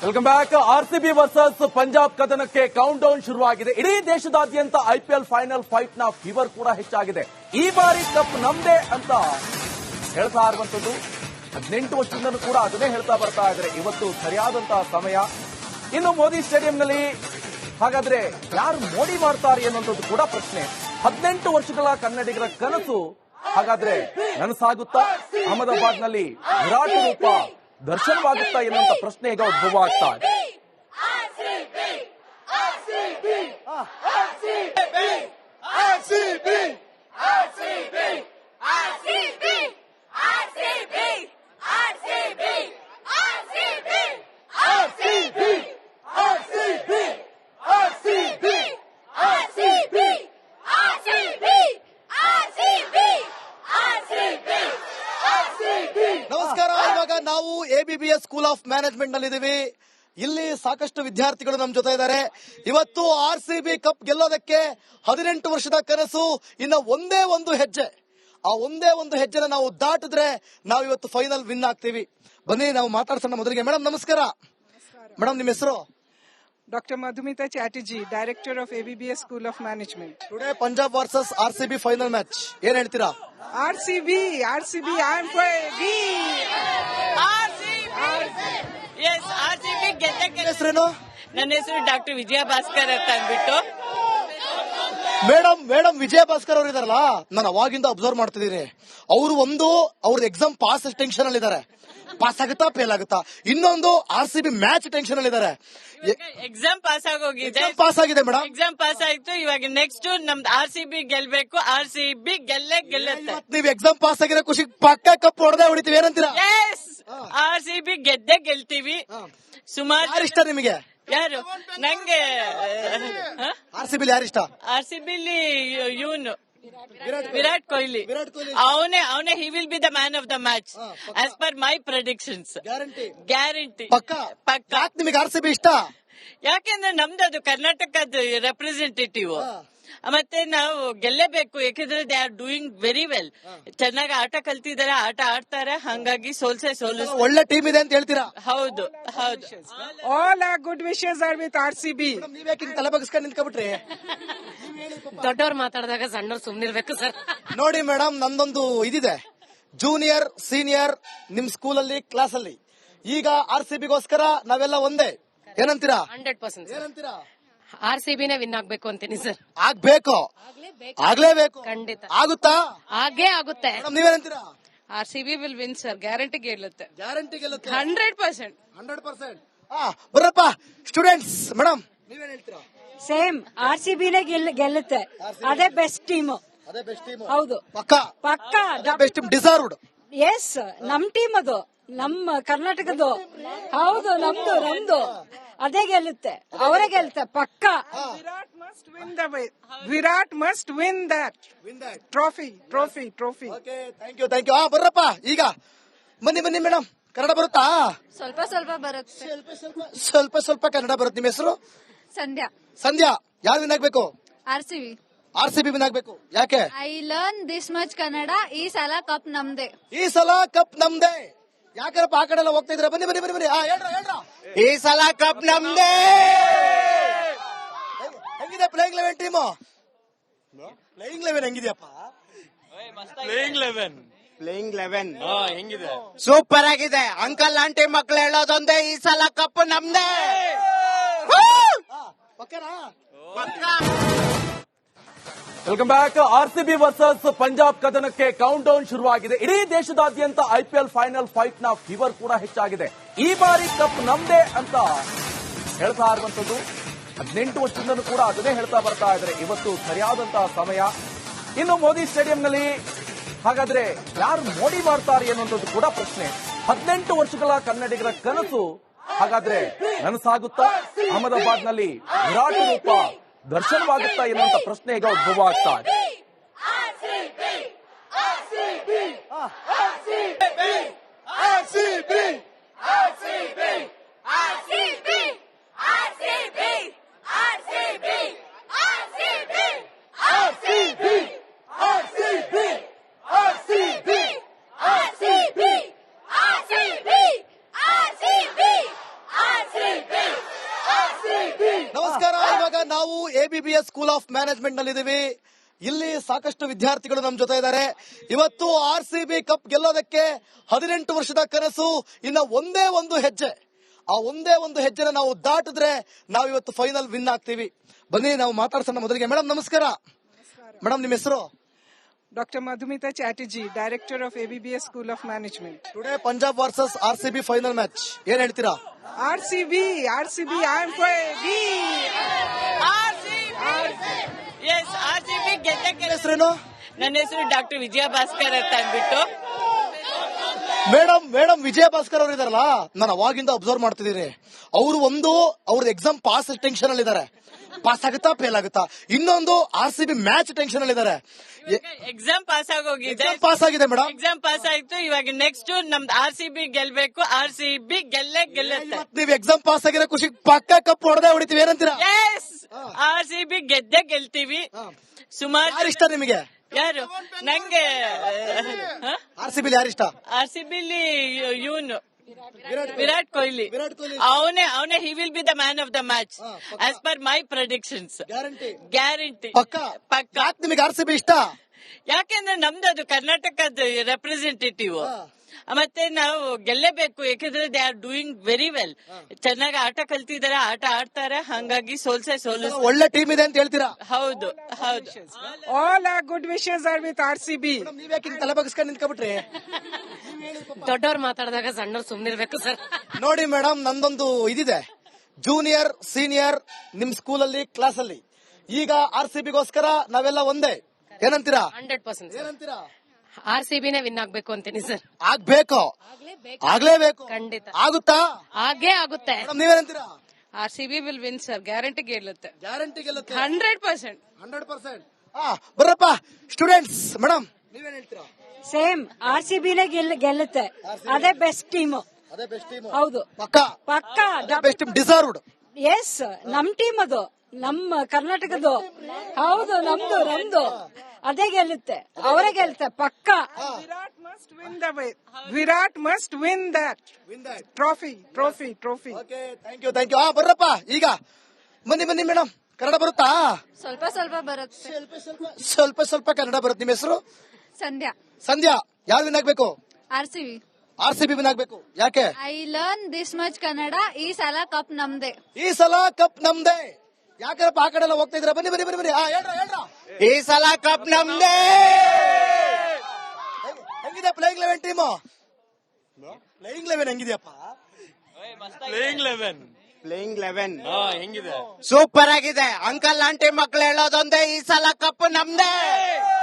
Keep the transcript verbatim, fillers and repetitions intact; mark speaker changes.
Speaker 1: Welcome back. RCB versus Punjab ಕದನಕ್ಕೆ count down ಶುರುವಾಗಿದೆ. ಇಡೀ ದೇಶದಾದ್ಯಂತ ಐಪಿಎಲ್ ಫೈನಲ್ ಫೈಟ್ ನ ಫೀವರ್ ಕೂಡ ಹೆಚ್ಚಾಗಿದೆ. ಈ ಬಾರಿ ಕಪ್ ನಮ್ದೇ ಅಂತ ಹೇಳ್ತಾ ಇರುವಂತದ್ದು ಹದಿನೆಂಟು ವರ್ಷದಿಂದಲೂ ಕೂಡ ಅದನ್ನೇ ಹೇಳ್ತಾ ಬರ್ತಾ ಇದ್ದಾರೆ. ಇವತ್ತು ಸರಿಯಾದಂತಹ ಸಮಯ. ಇನ್ನು ಮೋದಿ ಸ್ಟೇಡಿಯಂನಲ್ಲಿ ಹಾಗಾದ್ರೆ ಯಾರು ಮೋಡಿ ಮಾಡ್ತಾರೆ ಅನ್ನುವಂಥದ್ದು ಕೂಡ ಪ್ರಶ್ನೆ. ಹದಿನೆಂಟು ವರ್ಷಗಳ ಕನ್ನಡಿಗರ ಕನಸು ಹಾಗಾದ್ರೆ ನನಸಾಗುತ್ತಾ? ಅಹಮದಾಬಾದ್ನಲ್ಲಿ ವಿರಾಟ್ ರೂಪ ದರ್ಶನವಾಗುತ್ತಾ ಎನ್ನುವಂತ ಪ್ರಶ್ನೆ ಈಗ ಉದ್ಭವ ಆಗ್ತಾ ಇದೆ.
Speaker 2: ನಮಸ್ಕಾರ. ಇವಾಗ ನಾವು ಎಬಿಬಿಎಸ್ ಸ್ಕೂಲ್ ಆಫ್ ಮ್ಯಾನೇಜ್ಮೆಂಟ್ ನಲ್ಲಿ ಇಲ್ಲಿ ಸಾಕಷ್ಟು ವಿದ್ಯಾರ್ಥಿಗಳು ನಮ್ಮ ಜೊತೆ ಇದ್ದಾರೆ. ಇವತ್ತು ಆರ್ ಸಿ ಬಿ ಕಪ್ ಗೆಲ್ಲೋದಕ್ಕೆ ಹದಿನೆಂಟು ವರ್ಷದ ಕನಸು. ಇನ್ನ ಒಂದೇ ಒಂದು ಹೆಜ್ಜೆ, ಆ ಒಂದೇ ಒಂದು ಹೆಜ್ಜೆನ ನಾವು ದಾಟಿದ್ರೆ ನಾವು ಇವತ್ತು ಫೈನಲ್ ವಿನ್ ಆಗ್ತೀವಿ. ಬನ್ನಿ ನಾವು ಮಾತಾಡ್ಸೋಣ. ಮೊದಲಿಗೆ ಮೇಡಮ್ ನಮಸ್ಕಾರ. ಮೇಡಮ್ ನಿಮ್ಮ ಹೆಸರು?
Speaker 3: Doctor Madhumita Chatterjee, Director of A B B S School of Management.
Speaker 2: Today Punjab versus R C B final match, ಏನ್ ಹೇಳ್ತೀರಾ?
Speaker 3: R C B, R C B, I am for A B.
Speaker 4: R C B. Yes, R C B ಗೆದ್ದಕ್ಕೆ.
Speaker 2: ಹೆಸರೇನು?
Speaker 4: ನನ್ನ ಹೆಸರು doctor ವಿಜಯ ಭಾಸ್ಕರ್ ಅಂತ ಅಂದ್ಬಿಟ್ಟು.
Speaker 2: Madam madam ವಿಜಯ ಭಾಸ್ಕರ್ ಅವರು ಇದಾರಲ್ಲ, ನಾನು ಅವಾಗಿಂದ ಅಬ್ಸರ್ವ್ ಮಾಡ್ತಿದ್ದೀನಿ. ಅವರು ಒಂದು ಅವ್ರದ್ದು ಎಕ್ಸಾಮ್ ಪಾಸ್ ಟೆನ್ಷನ್ ಅಲ್ಲಿ ಇದಾರೆ, ಪಾಸ್ ಆಗುತ್ತಾ ಫೇಲ್ ಆಗುತ್ತಾ. ಇನ್ನೊಂದು R C B match tension ಅಲ್ಲಿ ಇದಾರೆ.
Speaker 4: ಎಕ್ಸಾಮ್ ಪಾಸ್ ಆಗೋಗಿದೆ,
Speaker 2: ಪಾಸ್ ಆಗಿದೆ ಮೇಡಮ್.
Speaker 4: ಎಕ್ಸಾಮ್ ಪಾಸ್ ಆಯ್ತು. ಇವಾಗ ನೆಕ್ಸ್ಟ್ ನಮ್ದು ಆರ್ ಸಿ ಬಿ ಗೆಲ್ಬೇಕು. ಆರ್ ಸಿ ಬಿ ಗೆಲ್ಲೇ ಗೆಲ್ಲುತ್ತೆ.
Speaker 2: ನೀವು ಎಕ್ಸಾಮ್ ಪಾಸ್ ಆಗಿರೋ ಖುಷಿ ಪಕ್ಕ ಕಪ್ ಹೊಡೆದೇ ಹೊಡಿತೀವಿ, ಏನಂತೀರಾ?
Speaker 4: ಎಸ್, ಆರ್ ಸಿ ಬಿ ಗೆದ್ದೆ ಗೆಲ್ತೀವಿ. ಸುಮಾರು
Speaker 2: ಯಾರು ಇಷ್ಟ ನಿಮಗೆ?
Speaker 4: ಯಾರು? ನಂಗೆ
Speaker 2: ಆರ್ ಸಿ ಬಿ ಯಾರು ಇಷ್ಟ?
Speaker 4: ಆರ್ ಸಿ ಬಿಲಿ ಇವನು ವಿರಾಟ್ ಕೊಹ್ಲಿ.
Speaker 2: ವಿರಾಟ್ ಕೊಹ್ಲಿ
Speaker 4: ಅವನೇ ಅವನೇ he will be the man of the match as per my predictions.
Speaker 2: Guarantee
Speaker 4: guarantee
Speaker 2: ಪಕ್ಕ
Speaker 4: ಪಕ್ಕ.
Speaker 2: ಯಾಕೆ ನಿಮಗೆ ಆರ್ ಸಿ ಬಿ ಇಷ್ಟ?
Speaker 4: ಯಾಕೆಂದ್ರೆ ನಮ್ದು ಅದು ಕರ್ನಾಟಕದ ರೆಪ್ರೆಸೆಂಟೇಟಿವ್. ಮತ್ತೆ ನಾವು ಗೆಲ್ಲೇಬೇಕು, ಯಾಕೆಂದ್ರೆ they are doing very well. ಚೆನ್ನಾಗಿ ಆಟ ಕಲ್ತಿದ್ದಾರೆ, ಆಟ ಆಡ್ತಾರೆ. ಹಂಗಾಗಿ ಸೋಲ್ಸೆ ಸೋಲಿಸ್
Speaker 2: ಒಳ್ಳೆ ಟೀಮ್ ಇದೆ ಅಂತ ಹೇಳ್ತೀರಾ?
Speaker 4: ಹೌದು ಹೌದು.
Speaker 3: All our good wishes are with R C B.
Speaker 2: ನೀವ್ಯಾಕೆ ತಲೆ ಬಗ್ಸ್ಕೊಂಡು ನಿಂತ್ಕೊಬಿಟ್ರಿ?
Speaker 5: ದೊಡ್ಡವ್ರು ಮಾತಾಡಿದಾಗ ಸಣ್ಣವ್ರು ಸುಮ್ನಿರ್ಬೇಕು ಸರ್.
Speaker 2: ನೋಡಿ ಮೇಡಮ್, ನಂದೊಂದು ಇದಿದೆ, ಜೂನಿಯರ್ ಸೀನಿಯರ್ ನಿಮ್ ಸ್ಕೂಲ್ ಅಲ್ಲಿ ಕ್ಲಾಸ್ ಅಲ್ಲಿ. ಈಗ ಆರ್ ಸಿ ಬಿಗೋಸ್ಕರ ನಾವೆಲ್ಲ ಒಂದೇ, ಏನಂತೀರಾ?
Speaker 5: ಹಂಡ್ರೆಡ್ ಪರ್ಸೆಂಟ್
Speaker 2: ಏನಂತೀರಾ?
Speaker 5: ಆರ್ ಸಿ ಬಿನೇ ವಿನ್ ಆಗ್ಬೇಕು ಅಂತೀನಿ ಸರ್.
Speaker 2: ಆಗ್ಬೇಕು, ಆಗ್ಲೇಬೇಕು.
Speaker 5: ಖಂಡಿತ
Speaker 2: ಆಗುತ್ತಾ?
Speaker 5: ಹಾಗೇ ಆಗುತ್ತೆ.
Speaker 2: ಮೇಡಮ್ ನೀವೇನಂತೀರಾ?
Speaker 5: R C B will win sir, guarantee ಗೆಲ್ಲುತ್ತೆ.
Speaker 2: ಗ್ಯಾರಂಟಿ ಗೆಲ್ಲುತ್ತೆ.
Speaker 5: Hundred percent
Speaker 2: hundred percent. ಬರಪ್ಪ ಸ್ಟೂಡೆಂಟ್ಸ್, ಮೇಡಮ್ ನೀವೇನ್ ಹೇಳ್ತೀರಾ?
Speaker 6: ಸೇಮ್ ಆರ್ ಸಿ ಬಿನೇ ಗೆಲ್ಲುತ್ತೆ. ಅದೇ ಬೆಸ್ಟ್ ಟೀಮ್.
Speaker 2: ಅದೇ ಬೆಸ್ಟ್ ಟೀಮ್.
Speaker 6: ಹೌದು,
Speaker 2: ಪಕ್ಕ
Speaker 6: ಪಕ್ಕ
Speaker 2: ಬೆಸ್ಟ್ ಟೀಮ್, ಡಿಸರ್ವ್ಡ್.
Speaker 6: ಎಸ್, ನಮ್ ಟೀಮ್ ಅದು, ನಮ್ಮ ಕರ್ನಾಟಕದ್ದು. ಹೌದು, ನಮ್ದು ನಮ್ದು ಅದೇ ಗೆಲ್ಲುತ್ತೆ, ಅವರೇ ಗೆಲ್ಲುತ್ತೆ ಪಕ್ಕ.
Speaker 3: Virat must win the way. Virat must win that trophy, trophy, trophy.
Speaker 2: Okay, thank you thank you. ಹಾ ಬರ್ರಪ್ಪ, ಈಗ ಬನ್ನಿ ಬನ್ನಿ ಮೇಡಮ್. ಕನ್ನಡ ಬರುತ್ತಾ?
Speaker 5: ಸ್ವಲ್ಪ ಸ್ವಲ್ಪ ಬರುತ್ತೆ.
Speaker 2: ಸ್ವಲ್ಪ ಸ್ವಲ್ಪ ಕನ್ನಡ ಬರುತ್ತೆ. ನಿಮ್ಮ ಹೆಸರು?
Speaker 5: ಸಂಧ್ಯಾ.
Speaker 2: ಸಂಧ್ಯಾ. ಯಾರು ವಿನ್ ಆಗ್ಬೇಕು?
Speaker 5: R C B.
Speaker 2: R C B win ಆಗ್ಬೇಕು. ಯಾಕೆ?
Speaker 5: I learn this much Kannada. ಈ ಸಲ ಕಪ್ ನಮ್ದೆ.
Speaker 2: ಈ ಸಲ ಕಪ್ ನಮ್ದೇ. ಯಾಕಪ್ಪ ಆ ಕಡೆ ಎಲ್ಲ ಹೋಗ್ತಾ ಇದ್ರ? ಬನ್ನಿ ಬನ್ನಿ ಬನ್ನಿ ಬನ್ನಿ. ಹೇಳ್ರ ಹೇಳ್ರ.
Speaker 4: ಈ ಸಲ ಕಪ್ ನಮ್ದೇ.
Speaker 2: ಹೆಂಗಿದೆ playing eleven team? Playing eleven ಹೆಂಗಿದೆಯಪ್ಪ?
Speaker 1: ಪ್ಲೇಯಿಂಗ್ ಲೆವೆನ್
Speaker 7: ಪ್ಲೇಯಿಂಗ್ ಲೆವೆನ್
Speaker 1: ಹೆಂಗಿದೆ?
Speaker 7: ಸೂಪರ್ ಆಗಿದೆ. ಅಂಕಲ್ ಆಂಟಿ ಮಕ್ಳು ಹೇಳೋದೊಂದೇ, ಈ ಸಲ ಕಪ್ ನಮ್ದೇ.
Speaker 2: ಪಕ್ಕನಾ?
Speaker 1: Welcome back. RCB versus Punjab ಕದನಕ್ಕೆ ಕೌಂಟ್ ಡೌನ್ ಶುರುವಾಗಿದೆ. ಇಡೀ ದೇಶದಾದ್ಯಂತ ಐಪಿಎಲ್ ಫೈನಲ್ ಫೈಟ್ ನ ಫೀವರ್ ಕೂಡ ಹೆಚ್ಚಾಗಿದೆ. ಈ ಬಾರಿ ಕಪ್ ನಮ್ದೇ ಅಂತ ಹೇಳ್ತಾ ಇರುವಂತದ್ದು ಹದಿನೆಂಟು ವರ್ಷದಿಂದಲೂ ಕೂಡ ಅದನ್ನೇ ಹೇಳ್ತಾ ಬರ್ತಾ ಇದ್ದಾರೆ. ಇವತ್ತು ಸರಿಯಾದಂತಹ ಸಮಯ. ಇನ್ನು ಮೋದಿ ಸ್ಟೇಡಿಯಂನಲ್ಲಿ ಹಾಗಾದ್ರೆ ಯಾರು ಮೋಡಿ ಮಾಡ್ತಾರೆ ಅನ್ನುವಂಥದ್ದು ಕೂಡ ಪ್ರಶ್ನೆ. ಹದಿನೆಂಟು ವರ್ಷಗಳ ಕನ್ನಡಿಗರ ಕನಸು ಹಾಗಾದ್ರೆ ನನಸಾಗುತ್ತಾ? ಅಹಮದಾಬಾದ್ನಲ್ಲಿ ವಿರಾಟ್ ರೂಪ ದರ್ಶನವಾಗುತ್ತಾ ಎನ್ನುವಂತ ಪ್ರಶ್ನೆ ಈಗ ಉದ್ಭವ ಆಗ್ತಾ ಇದೆ.
Speaker 2: ನಾವು ಎಬಿಬಿಎಸ್ ಸ್ಕೂಲ್ ಆಫ್ ಮ್ಯಾನೇಜ್ಮೆಂಟ್ ನಲ್ಲಿ ಇದೀವಿ. ಇಲ್ಲಿ ಸಾಕಷ್ಟು ವಿದ್ಯಾರ್ಥಿಗಳು ನಮ್ಮ ಜೊತೆ ಇದ್ದಾರೆ. ಇವತ್ತು ಆರ್ ಸಿ ಬಿ ಕಪ್ ಗೆಲ್ಲೋದಕ್ಕೆ ಹದಿನೆಂಟು ವರ್ಷದ ಕನಸು ಇನ್ನ ಒಂದೇ ಒಂದು ಹೆಜ್ಜೆ. ಆ ಒಂದೇ ಒಂದು ಹೆಜ್ಜೆನ ನಾವು ದಾಟಿದ್ರೆ ನಾವು ಇವತ್ತು ಫೈನಲ್ ವಿನ್ ಆಗ್ತೀವಿ. ಬನ್ನಿ ನಾವು ಮಾತಾಡ್ಸೋಣ. ಮೊದಲಿಗೆ ಮೇಡಮ್ ನಮಸ್ಕಾರ. ಮೇಡಮ್ ನಿಮ್ಮ ಹೆಸರು?
Speaker 3: Doctor Madhumita Chatterjee, Director of A B B S School of Management.
Speaker 2: Today Punjab versus R C B final match, ಏನ್ ಹೇಳ್ತೀರಾ?
Speaker 3: R C B, R C B, I am for A B.
Speaker 4: R C B yes R C B ಗೆದ್ದ.
Speaker 2: ಹೆಸರೇನು?
Speaker 4: ನನ್ನ ಹೆಸರು doctor ವಿಜಯ ಭಾಸ್ಕರ್ ಅಂತ ಅಂದ್ಬಿಟ್ಟು.
Speaker 2: Madam madam ವಿಜಯ ಭಾಸ್ಕರ್ ಅವರು ಇದಾರಲ್ಲ, ನಾನು ಅವಾಗಿಂದ ಅಬ್ಸರ್ವ್ ಮಾಡ್ತಿದ್ದೀನಿ. ಅವರು ಒಂದು ಅವ್ರದ್ದು ಎಕ್ಸಾಮ್ ಪಾಸ್ ಟೆನ್ಷನ್ ಅಲ್ಲಿ ಇದಾರೆ, ಪಾಸ್ ಆಗುತ್ತಾ ಫೇಲ್ ಆಗುತ್ತಾ. ಇನ್ನೊಂದು R C B match tension ಅಲ್ಲಿ ಇದಾರೆ.
Speaker 4: ಎಕ್ಸಾಮ್ ಪಾಸ್ ಆಗೋಗಿದೆ,
Speaker 2: ಪಾಸ್ ಆಗಿದೆ ಮೇಡಮ್,
Speaker 4: ಎಕ್ಸಾಮ್ ಪಾಸ್ ಆಯ್ತು. ಇವಾಗ ನೆಕ್ಸ್ಟ್ ನಮ್ದು ಆರ್ ಸಿ ಬಿ ಗೆಲ್ಬೇಕು, ಆರ್ ಸಿ ಬಿ ಗೆಲ್ಲೇ ಗೆಲ್ಲುತ್ತೆ.
Speaker 2: ನೀವು ಎಕ್ಸಾಮ್ ಪಾಸ್ ಆಗಿರೋ ಖುಷಿ ಪಕ್ಕ ಕಪ್ ಹೊಡೆದೇ ಹೊಡಿತೀವಿ, ಏನಂತೀರಾ?
Speaker 4: ಎಸ್, ಆರ್ ಸಿ ಬಿ ಗೆದ್ದೆ ಗೆಲ್ತೀವಿ. ಸುಮಾರು
Speaker 2: ಯಾರು ಇಷ್ಟ ನಿಮಗೆ?
Speaker 4: ಯಾರು ನಂಗೆ
Speaker 2: ಆರ್ ಸಿ ಬಿ ಯಾರು ಇಷ್ಟ?
Speaker 4: ಆರ್ ಸಿ ಬಿಲಿ ಇವನು ವಿರಾಟ್ ಕೊಹ್ಲಿ.
Speaker 2: ವಿರಾಟ್ ಕೊಹ್ಲಿ
Speaker 4: ಅವನೇ ಅವನೇ he will be the man of the match as per my predictions.
Speaker 2: Guarantee
Speaker 4: guarantee
Speaker 2: ಪಕ್ಕ
Speaker 4: ಪಕ್ಕ.
Speaker 2: ಯಾಕೆ ನಿಮಗೆ ಆರ್ ಸಿ ಬಿ ಇಷ್ಟ?
Speaker 4: ಯಾಕೆಂದ್ರೆ ನಮ್ದು ಅದು ಕರ್ನಾಟಕದ ರೆಪ್ರೆಸೆಂಟೇಟಿವ್. ಮತ್ತೆ ನಾವು ಗೆಲ್ಲೇಬೇಕು, ಯಾಕಂದ್ರೆ they are doing very well. ಚೆನ್ನಾಗಿ ಆಟ ಕಲ್ತಿದ್ದಾರೆ, ಆಟ ಆಡ್ತಾರೆ, ಹಂಗಾಗಿ ಸೋಲ್ಸೆ ಸೋಲು.
Speaker 2: ಒಳ್ಳೆ ಟೀಮ್ ಇದೆ ಅಂತ ಹೇಳ್ತೀರಾ?
Speaker 4: ಹೌದು ಹೌದು.
Speaker 3: All our good wishes are with R C B.
Speaker 2: ನೀವ್ಯಾಕೆ ಹಿಂಗ್ ತಲೆ ಬಗ್ಸ್ಕೊಂಡು ನಿಂತ್ಕೊಬಿಟ್ರಿ?
Speaker 6: ದೊಡ್ಡವ್ರು ಮಾತಾಡಿದಾಗ ಸಣ್ಣವ್ರು ಸುಮ್ನಿರ್ಬೇಕು ಸರ್.
Speaker 2: ನೋಡಿ ಮೇಡಮ್, ನಂದೊಂದು ಇದಿದೆ, ಜೂನಿಯರ್ ಸೀನಿಯರ್ ನಿಮ್ ಸ್ಕೂಲಲ್ಲಿ ಕ್ಲಾಸ್ ಅಲ್ಲಿ. ಈಗ ಆರ್ ಸಿ ಬಿಗೋಸ್ಕರ ನಾವೆಲ್ಲ ಒಂದೇ, ಏನಂತೀರಾ?
Speaker 6: ಹಂಡ್ರೆಡ್ ಪರ್ಸೆಂಟ್
Speaker 2: ಏನಂತೀರಾ?
Speaker 6: ಆರ್ ಸಿ ಬಿನೇ ವಿನ್ ಆಗ್ಬೇಕು ಅಂತೀನಿ ಸರ್.
Speaker 2: ಆಗ್ಬೇಕು, ಆಗ್ಲೇಬೇಕು.
Speaker 6: ಖಂಡಿತ
Speaker 2: ಆಗುತ್ತಾ?
Speaker 6: ಹಾಗೇ ಆಗುತ್ತೆ.
Speaker 2: ಮೇಡಮ್ ನೀವೇನಂತೀರಾ?
Speaker 6: R C B will win sir, guarantee ಗೆಲ್ಲುತ್ತೆ.
Speaker 2: ಗ್ಯಾರಂಟಿ ಗೆಲ್ಲುತ್ತೆ,
Speaker 6: ಹಂಡ್ರೆಡ್ ಪರ್ಸೆಂಟ್
Speaker 2: ಹಂಡ್ರೆಡ್ ಪರ್ಸೆಂಟ್. ಬರ್ರಪ್ಪ ಸ್ಟೂಡೆಂಟ್ಸ್, ಮೇಡಮ್ ನೀವೇನ್ ಹೇಳ್ತೀರಾ?
Speaker 6: ಸೇಮ್ ಆರ್ ಸಿ ಬಿನೇ ಗೆಲ್ಲುತ್ತೆ. ಅದೇ ಬೆಸ್ಟ್ ಟೀಮ್.
Speaker 2: ಅದೇ ಬೆಸ್ಟ್ ಟೀಮ್.
Speaker 6: ಹೌದು,
Speaker 2: ಪಕ್ಕ
Speaker 6: ಪಕ್ಕ
Speaker 2: ಬೆಸ್ಟ್ ಟೀಮ್, ಡಿಸರ್ವ್ಡ್.
Speaker 6: ಎಸ್, ನಮ್ ಟೀಮ್ ಅದು, ನಮ್ಮ ಕರ್ನಾಟಕದ್ದು. ಹೌದು, ನಮ್ದು ನಮ್ದು ಅದೇ ಗೆಲ್ಲುತ್ತೆ, ಅವರೇ ಗೆಲ್ಲುತ್ತೆ ಪಕ್ಕ.
Speaker 3: Virat must win the way. Virat must win that trophy, trophy, trophy.
Speaker 2: Okay, thank you thank you. ಆ ಬರ್ರಪ್ಪ, ಈಗ ಬನ್ನಿ ಬನ್ನಿ ಮೇಡಮ್. ಕನ್ನಡ ಬರುತ್ತಾ?
Speaker 5: ಸ್ವಲ್ಪ ಸ್ವಲ್ಪ ಬರುತ್ತೆ.
Speaker 2: ಸ್ವಲ್ಪ ಸ್ವಲ್ಪ ಕನ್ನಡ ಬರುತ್ತೆ. ನಿಮ್ಮ ಹೆಸರು?
Speaker 5: ಸಂಧ್ಯಾ.
Speaker 2: ಸಂಧ್ಯಾ. ಯಾರು ವಿನ್ ಆಗ್ಬೇಕು?
Speaker 5: R C B.
Speaker 2: R C B win ಆಗ್ಬೇಕು. ಯಾಕೆ?
Speaker 5: I learn this much Kannada. ಈ ಸಲ ಕಪ್ ನಮ್ದೆ.
Speaker 2: ಈ ಸಲ ಕಪ್ ನಮ್ದೇ. ಯಾಕಂದ್ರೆ ಆ ಕಡೆ ಎಲ್ಲ ಹೋಗ್ತಾ ಇದ್ರ? ಬನ್ನಿ ಬನ್ನಿ ಬನ್ನಿ ಬನ್ನಿ. ಆ, ಹೇಳ್ರ ಹೇಳ್ರ.
Speaker 7: ಈ ಸಲ ಕಪ್ ನಮ್ದೇ.
Speaker 2: ಹೆಂಗಿದೆ playing eleven team? Playing eleven ಹೆಂಗಿದೆಯಪ್ಪ?
Speaker 7: ಪ್ಲೇಯಿಂಗ್ ಲೆವೆನ್ ಹೆಂಗಿದೆ? ಸೂಪರ್ ಆಗಿದೆ. ಅಂಕಲ್ ಆಂಟಿ ಮಕ್ಳು ಹೇಳೋದೊಂದೇ, ಈ ಸಲ ಕಪ್ ನಮ್ದೇ.